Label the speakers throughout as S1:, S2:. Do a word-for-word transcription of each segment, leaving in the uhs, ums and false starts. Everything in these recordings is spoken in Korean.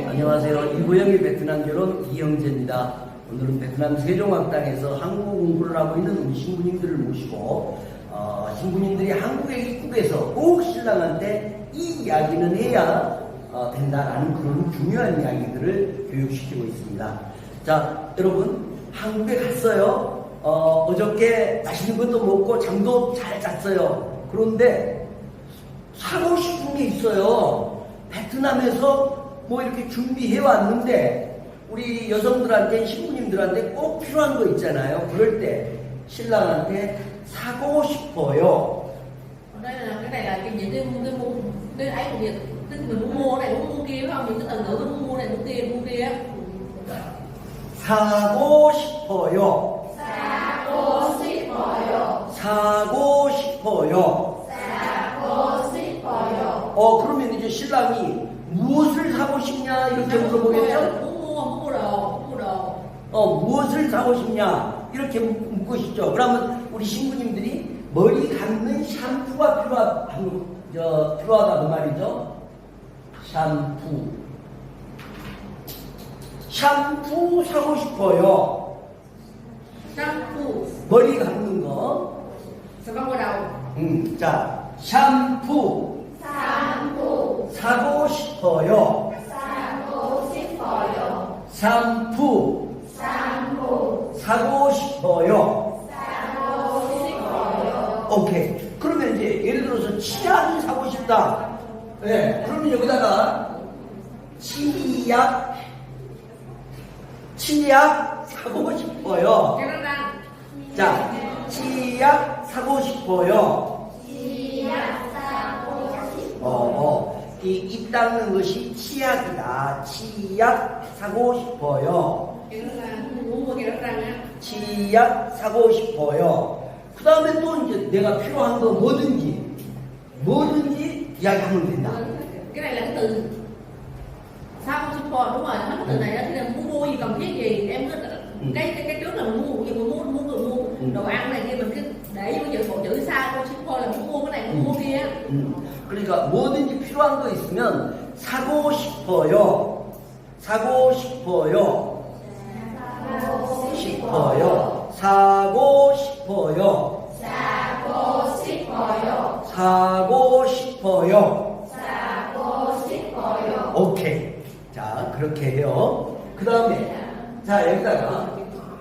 S1: 안녕하세요. 이보영의 베트남 결혼 이형재입니다. 오늘은 베트남 세종학당에서 한국 공부를 하고 있는 우리 신부님들을 모시고 어, 신부님들이 한국에 입국해서 꼭 신랑한테 이 이야기는 해야 어, 된다라는 그런 중요한 이야기들을 교육시키고 있습니다. 자, 여러분 한국에 갔어요. 어, 어저께 맛있는 것도 먹고 잠도 잘 잤어요. 그런데 사고 싶은 게 있어요. 베트남에서 뭐 이렇게 준비해 왔는데 우리 여성들한테 신부님들한테 꼭 필요한 거 있잖아요. 그럴 때 신랑한테 사고 싶어요.
S2: Đây là cái này là cái những cái cái mua cái ấy của việc tức mình muốn mua này muốn mua kia phải không? Những cái từ ngữ mình muốn mua này mua kia mua kia.
S1: 사고 싶어요.
S2: 사고 싶어요.
S1: 사고 싶어요.
S2: 사고 싶어요.
S1: 어 그러면 이제 신랑이 무엇을 사고 싶냐 이렇게 물어보겠죠?
S2: Muốn mua muốn mua đồ muốn mua đồ.
S1: 어 무엇을 사고 싶냐 이렇게 묻고싶죠. 그러면 우리 신부님들이 머리 감는 샴푸가 필요하, 저, 필요하다 그 말이죠. 샴푸. 샴푸 사고 싶어요.
S2: Shampoo.
S1: 머리 감는 거.
S2: Sao không mua đầu?
S1: 음, 자, 샴푸
S2: Shampoo.
S1: 사고 싶어요.
S2: 사고 싶어요.
S1: 샴푸
S2: Shampoo.
S1: 사고 싶어요.
S2: 사고 싶어요.
S1: 오케이. 그러면 이제 예를 들어서 치약이 사고 싶다. 예. 네. 그러면 여기다가 치약, 치약 사고 싶어요.
S2: Cho nó ra.
S1: 자, 치약 사고 싶어요.
S2: 치약 사고 싶어요.
S1: 어, 어. 이, 입 닦는 것이 치약이다. 치약 사고 싶어요.
S2: Cho nó ra. Muốn mua kia nó ra nha.
S1: 치약 사고 싶어요. 그 다음에 또 이제 내가 필요한 거 뭐든지, 뭐든지 이야기하면 된다.
S2: Cái này là cái từ sao support đúng rồi, hết cái từ này đó thì là muốn mua gì cần thiết gì em cứ cái cái cái trước là mình mua gì mình mua mua mua mua đồ ăn này kia mình cứ để vô chữ bộ chữ sao support là muốn mua cái này muốn mua kia.
S1: 음, 그러니까 뭐든지 필요한 거 있으면 사고 싶어요. 사고 싶어요. 싶어요. 사고 싶어요.
S2: 사고 싶어요.
S1: 사고 싶어요.
S2: 사고 싶어요.
S1: 오케이. 자, 그렇게 해요. 그 다음에, 자, 여기다가,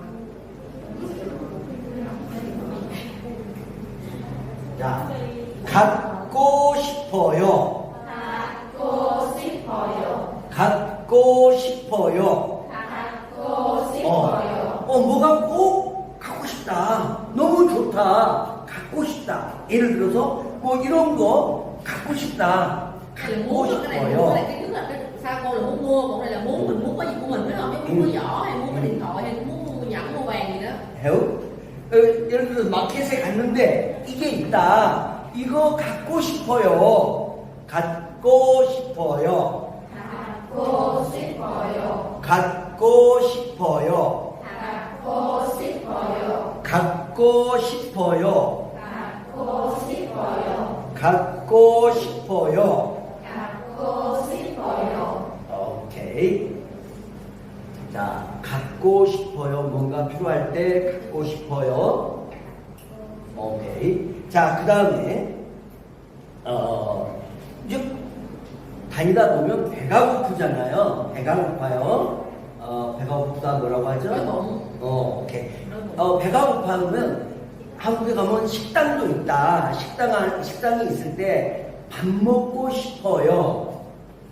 S1: 자, 갖고 싶어요.
S2: 갖고 싶어요.
S1: 갖고 싶어요.
S2: 갖고 싶어요.
S1: 어, 어, 뭐가 꼭 갖고 싶다. 너무 좋다. 갖고 싶다. 예를 들어서, 뭐 이런 거 갖고 싶다.
S2: Hay là
S1: 갖고
S2: muốn cái này muốn cái này
S1: 싶어요.
S2: cái trước là cái sao cô là muốn mua còn đây là muốn mình muốn có gì của mình phải không? Chứ muốn mua giỏ hay muốn cái điện thoại hay muốn mua nhẫn mua vàng gì đó.
S1: 해요? 어, 예를 들어서 마켓에 갔는데 이게 있다. 이거 갖고 싶어요. 갖고 싶어요.
S2: 갖고 싶어요.
S1: 갖고 싶어요.
S2: 갖고 싶어요.
S1: 갖고 싶어요.
S2: 갖고 싶어요.
S1: 갖고 싶어요.
S2: 갖고 싶어요.
S1: 오케이. 자, 갖고 싶어요. 뭔가 필요할 때 갖고 싶어요. 오케이. 자, 그 다음에, 어, 이제 다니다 보면 배가 고프잖아요. 배가 고파요. 어, 배가 고프다 뭐라고 하죠?
S2: 배고픔.
S1: 어, 오케이. 어, 배가 고파하면 한국에 가면 식당도 있다. 식당, 안- 식당이 있을 때 밥 먹고 싶어요.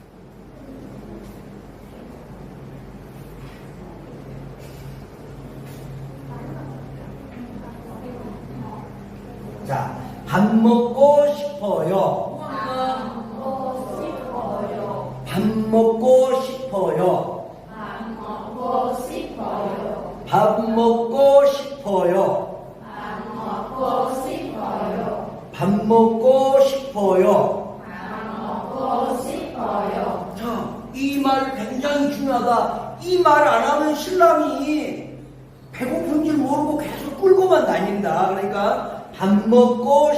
S1: 자, 밥 먹고 싶어요.
S2: 먹고 싶어요.
S1: 밥 먹고 싶어요.
S2: 밥 먹고 싶어요.
S1: 밥 먹고 싶어요.
S2: 밥 먹고 싶어요.
S1: 밥 먹고 싶어요.
S2: 밥 먹고 싶어요.
S1: 자, 이 말 굉장히 중요하다. 이 말 안 하면 신랑이 배고픈 줄 모르고 계속 끌고만 다닌다. 그러니까 밥 먹고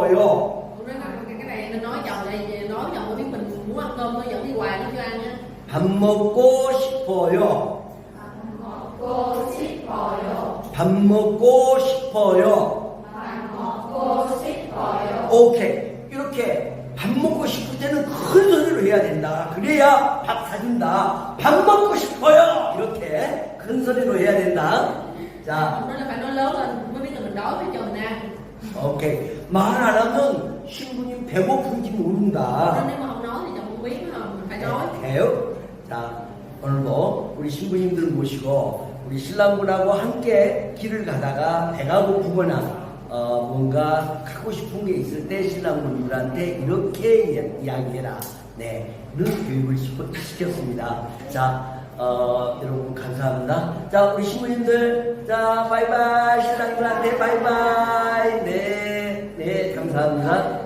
S1: 싶어요.
S2: Cái này mình nói chồng này nói chồng biết mình muốn ăn cơm nó dẫn đi hoài nó chưa ăn á.
S1: 밥 먹고 싶어요.
S3: 밥 먹고 싶어요.
S1: 밥 먹고 싶어요.
S3: 밥 먹고 싶어요.
S1: 오케이. 이렇게 밥 먹고 싶을 때는 큰 소리로 해야 된다. 그래야 밥 사준다. 밥 먹고 싶어요. 이렇게 큰 소리로 해야 된다. 자,
S2: Nó là phải nói lớn lên mới biết là mình đói với chồng nè.
S1: 오케이. 말 안 하면 신부님 배고픈지
S2: Nên
S1: 모른다.
S2: nếu mà không nói thì chồng không biết phải không? Mình phải nói.
S1: 돼요? 자, 오늘도 우리 신부님들 모시고 우리 신랑분하고 함께 길을 가다가 배가 고프거나 어, 뭔가 갖고 싶은 게 있을 때 신랑분들한테 이렇게 이야기해라. 네, 이런 교육을 시켜- 시켰습니다. 자, 어, 여러분 감사합니다. 자, 우리 신부님들, 자, 바이바이. 신랑분한테 바이바이. 네, 네, 감사합니다.